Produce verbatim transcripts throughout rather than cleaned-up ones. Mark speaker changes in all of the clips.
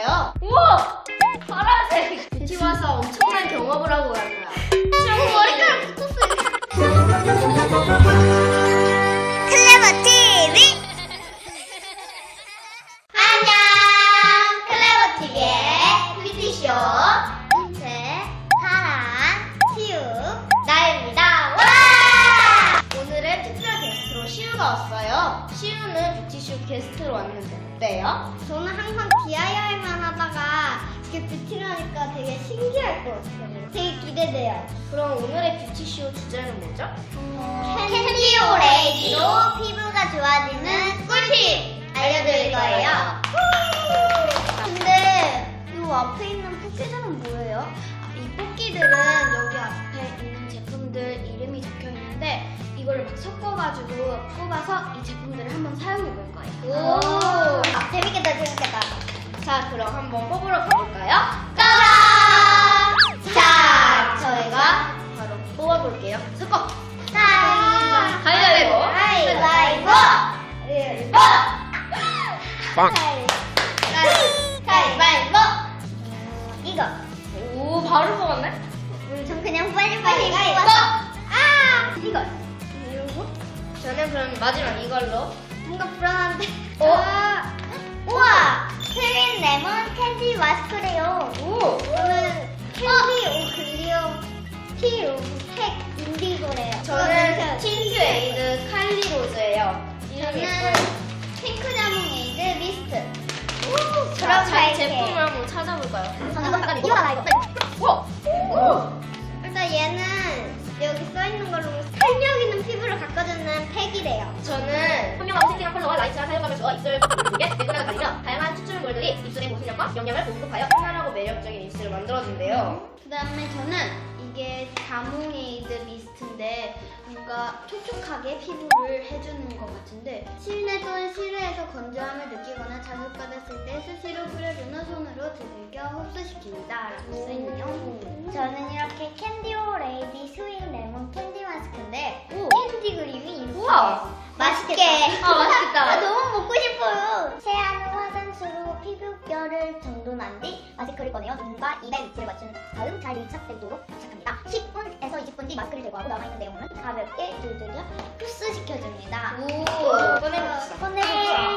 Speaker 1: 왔어요. 우와! 파란색! 뷰티 와서 엄청난 경험을 하고 갈 거야. 지금 머리카락 붙었어요.
Speaker 2: 클레버 티비 안녕! 클레버 티비의 뷰티쇼 인체, 파란, 시우, 나입니다. 와!
Speaker 1: 오늘은 특별 게스트로 시우가 왔어요. 시우는 뷰티쇼 게스트로 왔는데 어때요?
Speaker 2: 저는 항상 디아이와이만 하다가 이렇게 뷰티를 하니까 되게 신기할 것 같아요. 되게 기대돼요.
Speaker 1: 그럼 오늘의 뷰티쇼 주제는 뭐죠?
Speaker 2: 캔디오 레이디로 피부가 좋아지는 꿀팁 알려드릴 거예요. 근데 이 앞에 있는 뽑기들은 뭐예요?
Speaker 1: 이 뽑기들은 여기 앞에 있는 제품들 이름이 적혀 있는데 이거를 막 섞어가지고 뽑아서 이 제품들을 한번 사용해 볼 거예요.
Speaker 2: 오, 아, 재밌겠다, 재밌겠다.
Speaker 1: 자, 그럼 한번 뽑으러 가볼까요?
Speaker 2: 짜잔! 자,
Speaker 1: 저희가 바로 뽑아볼게요. 섞어!
Speaker 2: 자,
Speaker 1: 가위바위보!
Speaker 2: 가위바위보! 가위바위보!
Speaker 3: 빵.
Speaker 2: 가위바위보! 음, 이거.
Speaker 1: 오, 바로 뽑았네?
Speaker 2: 우리 전 그냥 빨리빨리 가위바위보! 아! 이거. 이거?
Speaker 1: 저는 그럼 마지막 이걸로.
Speaker 2: 뭔가 불안한데.
Speaker 1: 어?
Speaker 2: 아, 우와! 트윈 레몬 캔디 마스크래요.
Speaker 1: 오!
Speaker 2: 저는 캔디 오 글리오 티 팩 인디고래요.
Speaker 1: 저는 틴트 에이드 칼리로즈예요. 이름이
Speaker 2: 저는
Speaker 1: 예뻐요.
Speaker 2: 핑크 자몽 에이드 미스트.
Speaker 1: 자,
Speaker 2: 그럼
Speaker 1: 자,
Speaker 2: 갈게.
Speaker 1: 제품을 한번 찾아볼까요?
Speaker 2: 저는 잠깐 이거 하나 이거.
Speaker 1: 우와! 오!
Speaker 2: 일단 얘는 여기 써 있는 걸로 탄력 있는 피부를 가꿔주는 팩이래요.
Speaker 1: 저는 현명하고 섹시한 컬러와 라이트한 사용감에서 입술 두개 매끈하게 가리며 다양한 추출물들이 입술의 보습력과 영양을 공급하여 편안하고 매력적인 입술을 만들어준대요.
Speaker 2: 그 다음에 저는 이게 자몽 에이드 미스트인데 뭔가 촉촉하게 피부를 해주는 것 같은데 실내 또는 실외에서 건조함을 느끼거나 자극받았을 때 수시로 뿌려준 후 손으로 두들겨 흡수시킵니다 라고 써있네요. 저는 이렇게 캔디오 레이디 스윗 레몬 캔디 마스크인데
Speaker 1: 오.
Speaker 2: 캔디 그림이 이렇게
Speaker 1: 우와.
Speaker 2: 맛있게
Speaker 1: 아, 맛있겠다.
Speaker 2: 아, 너무 먹고 싶어요. 세안 후 화장수로 피부결을 정돈한 뒤 마스크를 꺼내어 눈과 입의 위치를 맞춘 다음 잘 밀착되도록 부착합니다. 십 분에서 이십 분 뒤 마스크를 제거하고 남아있는 내용물은 가볍게 두들겨 흡수시켜줍니다.
Speaker 1: 오! 꺼내봅시다.
Speaker 2: 꺼내봅시다.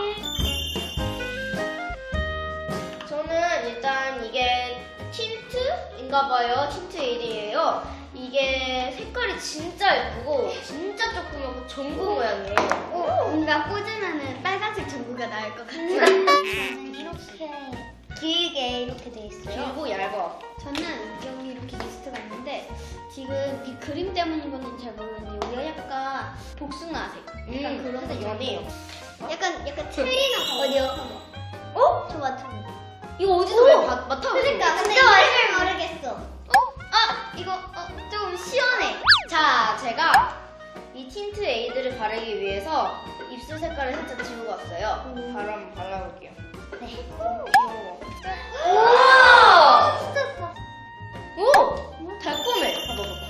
Speaker 1: 저는 일단 이게 틴트인가봐요. 틴트 에이드예요. 이게 색깔이 진짜 예쁘고 진짜 조그맣고 전구 모양이에요.
Speaker 2: 오, 뭔가 꽂으면 빨간색 전구가 나올 것 같아요. 저는 이렇게 길게 이렇게 돼 있어요.
Speaker 1: 길고 얇아.
Speaker 2: 저는 여기 이렇게 리스트가 있는데 지금 이 그림 때문인 건지 잘 모르겠는데 여기가 약간 복숭아색 약간
Speaker 1: 음,
Speaker 2: 그런
Speaker 1: 근데
Speaker 2: 거
Speaker 1: 연해요.
Speaker 2: 약간 약간 트리나 어디요?
Speaker 1: 어?
Speaker 2: 저 맡아봐.
Speaker 1: 이거 어디서 왜 마- 맡아보세요?
Speaker 2: 그러니까 근데 이름을 모르겠어. 어? 아 이거 어, 조금 시원해.
Speaker 1: 자, 제가 이 틴트 에이드를 바르기 위해서 입술 색깔을 살짝 지우고 왔어요.
Speaker 2: 음.
Speaker 1: 바로 한번 발라볼게요.
Speaker 2: 네.
Speaker 1: 귀여워.
Speaker 2: 우와! 진짜 예뻐.
Speaker 1: 오! 달콤해. 봐봐, 봐봐.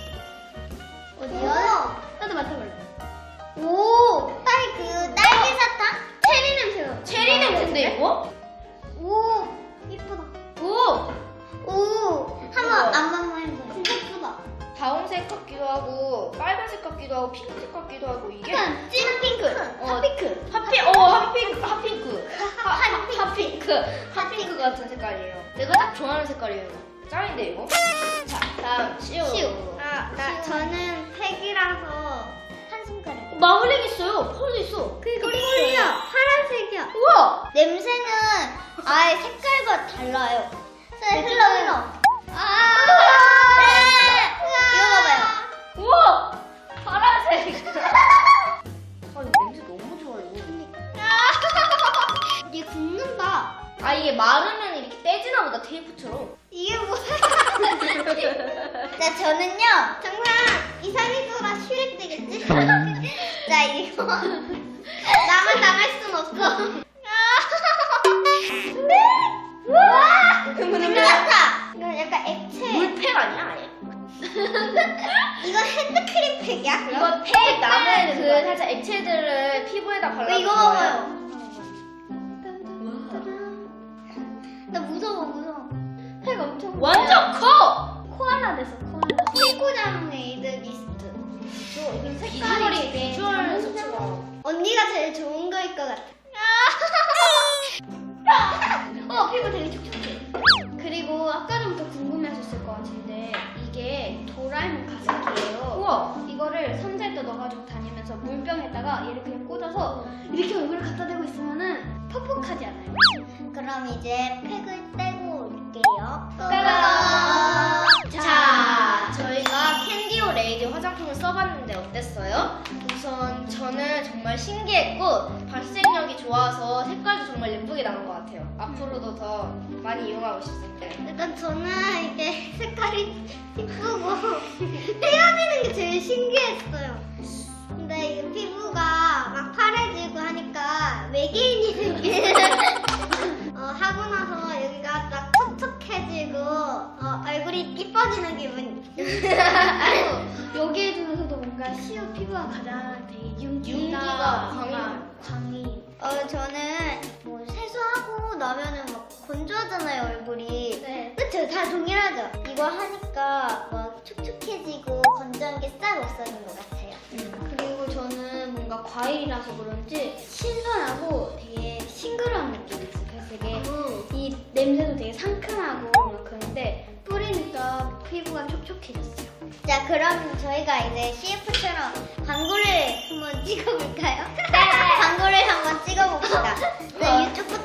Speaker 2: 어디요? 나도 맡아볼래. 오! 딸 그 딸기 사탕? 체리 냄새가.
Speaker 1: 체리 냄새인데, 이거?
Speaker 2: 오! 이쁘다.
Speaker 1: 오!
Speaker 2: 오! 한번
Speaker 1: 우와.
Speaker 2: 안 한번 해보자. 진짜 예쁘다.
Speaker 1: 다운색 같기도 하고, 빨간색 같기도 하고, 핑크색 같기도 하고, 이게.
Speaker 2: 찐 핑크.
Speaker 1: 어,
Speaker 2: 핫핑크.
Speaker 1: 핫핑, 어, 핫핑크, 핫핑크. 하- 하- 핫핑크. 핫핑크 같은 색깔이에요. 내가 딱 좋아하는 색깔이에요. 짱인데, 이거? 자, 다음, 시우.
Speaker 2: 시우.
Speaker 1: 아,
Speaker 2: 나 저는 팩이라서 한 손가락.
Speaker 1: 마블링 있어요. 펄도 있어.
Speaker 2: 그니까 펄이야. 파란색이야.
Speaker 1: 우와!
Speaker 2: 냄새는 아예 색깔과 달라요. 네, 흘러 흘러. 아! 이거 봐봐요.
Speaker 1: 우와! 파란색. 아, 이거 냄새 너무 좋아요.
Speaker 2: 이게 굽는다.
Speaker 1: 아, 이게 마르면 이렇게 떼지나 보다, 테이프처럼.
Speaker 2: 이게 뭐야? 자, 저는요, 정말 이상해서라 슈렉 되겠지? 자, 이거. 나만 당할 순 없어. 우와!
Speaker 1: 흐물흐물.
Speaker 2: 끝났다! 이건 약간 액체.
Speaker 1: 물팩 아니야, 아예?
Speaker 2: 이건 핸드크림 팩이야? 그럼?
Speaker 1: 이거 팩 남은 그 살짝 액체들을 피부에다 발라.
Speaker 2: 이거 봐봐요. 나 무서워 무서워.
Speaker 1: 폐가 엄청
Speaker 3: 완전 커!
Speaker 1: 코알라 돼서 코알라.
Speaker 2: 피부 자몽 에이드 미스트.
Speaker 1: 저 이건 색깔이
Speaker 3: 비주얼이
Speaker 1: 되게
Speaker 3: 비주얼
Speaker 1: 자몽
Speaker 3: 자체가
Speaker 2: 언니가 제일 좋은 거일 것 같아.
Speaker 1: 어, 피부 되게 촉촉해. 그리고 아까 전부터 궁금해하셨을 것 같은데 이게 도라에몽 가습기예요.
Speaker 3: 우와.
Speaker 1: 이거를 선제도 넣어가지고 다니면서 물병에다가 얘를 그냥 꽂아서 이렇게 얼굴을 갖다 대고 있으면은 퍽퍽하지 않아요.
Speaker 2: 그럼 이제 팩을 떼고 올게요.
Speaker 1: 따라란!
Speaker 3: 자, 저희가 캔디오 레이디 화장품을 써봤는데 어땠어요? 우선 저는 정말 신기했고 발색력이 좋아서 색깔도 정말 예쁘게 나온 것 같아요. 앞으로도 더 많이 이용하고 싶습니다.
Speaker 2: 일단 저는 이게 색깔이 이쁘고 헤어지는 게 제일 신기했어요. 근데 이게 피부가 막 파래지고 하니까 외계인이 느낌. 어, 하고 나서 여기가 딱 촉촉해지고 어, 얼굴이 이뻐지는 기분.
Speaker 1: 그리고 여기에 중에서도 뭔가 시옷 피부가 가장 되게 윤기가,
Speaker 3: 윤기가
Speaker 1: 뭔가
Speaker 3: 광이.
Speaker 1: 광이.
Speaker 2: 어 저는 뭐 세수하고 나면은 막 건조하잖아요 얼굴이.
Speaker 1: 네.
Speaker 2: 그쵸? 다 동일하죠? 이거 하니까 막 촉촉해지고 건조한 게 싹 없어진 것 같아요.
Speaker 1: 그리고 저는 뭔가 과일이라서 그런지 신선하고 되게 싱그러운 느낌이 있어요. 그래서 되게 이 냄새도 되게 상큼하고 막 그런데 뿌리니까 피부가 촉촉해졌어요.
Speaker 2: 자 그럼 저희가 이제 씨에프처럼 광고를 한번 찍어볼까요?
Speaker 1: 네.
Speaker 2: 광고를 한번 찍어봅시다. 네, 유튜브